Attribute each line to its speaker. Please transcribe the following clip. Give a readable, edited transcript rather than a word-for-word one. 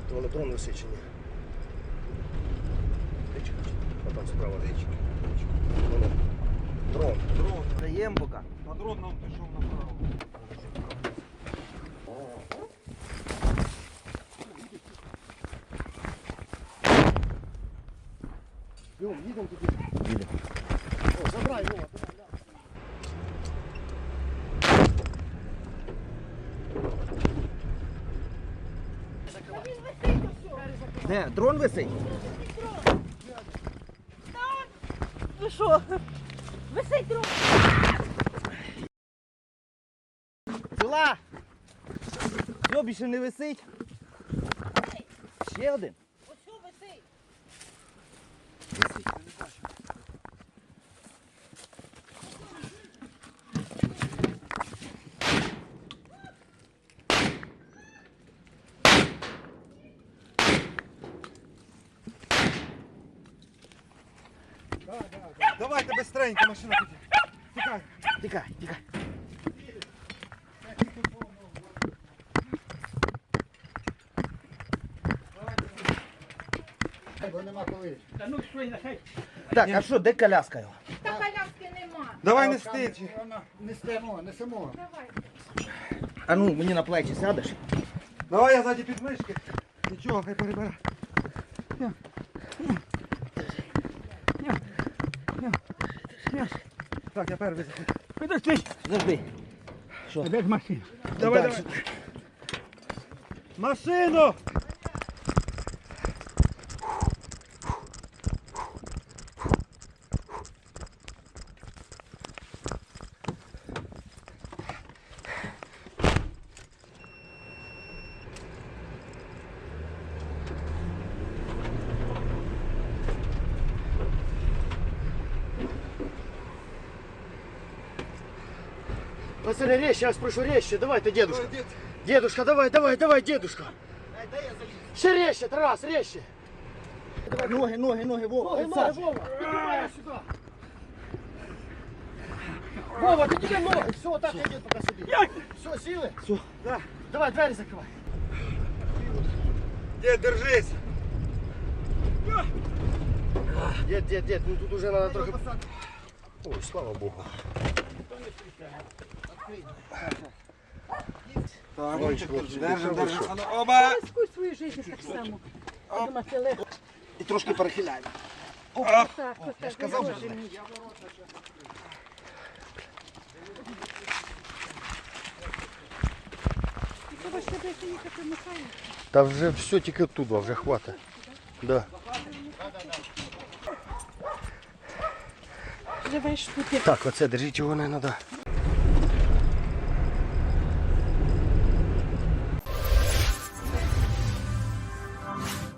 Speaker 1: Воно дрон висичені. А там справа річка. Воно. Дрон.
Speaker 2: Дрон.
Speaker 1: Даємо поки.
Speaker 2: А дрон нам пішов направо.
Speaker 1: Їдемо туди. Їдемо. О, забирай його. Де? Дрон висить?
Speaker 3: Ви що? Висить дрон.
Speaker 1: Ціла! Все, більше не висить. Ще один.
Speaker 3: Ось що висить?
Speaker 1: Висить, я не бачу.
Speaker 2: Давайте быстренько, машина тут. Тікай.
Speaker 1: Тікай, тікай.
Speaker 4: Бо нема коли.
Speaker 1: Так, а що, де коляска його?
Speaker 3: Та коляски нема.
Speaker 2: Давай не стич.
Speaker 4: Несемо, несемо.
Speaker 3: Давай.
Speaker 1: А ну, мені на плечі сядеш?
Speaker 2: Давай я ззаді підмишки. Нічого, хай перебере. Так, я перший.
Speaker 1: Підожди. Подожди. Що?
Speaker 4: Де ж машина?
Speaker 2: Давай,
Speaker 1: Так,
Speaker 2: давай. Машину!
Speaker 1: Пацаны, резче, я вас прошу, резче. Давай-то, дедушка. Дедушка, давай, давай, давай, дедушка. Ще резче, Тарас, резче. Давай, ноги, ноги, ноги, Вова. Ноги, Вова. Иди сюда. Вова, ты тебе ноги. Все, вот так иди пока сюда. Все, силы? Все. Да. Давай, двери закрывай.
Speaker 2: Дед, держись.
Speaker 1: Дед, ну тут уже надо трохи... Ой, слава Богу.
Speaker 2: Так,
Speaker 1: Ой,
Speaker 2: держим,
Speaker 1: хлопці,
Speaker 2: держим.
Speaker 1: хорошо.
Speaker 2: А ну, оба!
Speaker 3: Рискуй свою життя так само. Думати легко.
Speaker 1: І трошки перехиляємо.
Speaker 3: Так,
Speaker 1: Я ж казав,
Speaker 3: Боже
Speaker 1: що
Speaker 3: мій. Треба ще десь їхати Михайло.
Speaker 1: Та вже все тільки туди, вже хватить. Да.
Speaker 3: Живеш тут.
Speaker 1: Так, оце держіть його не треба.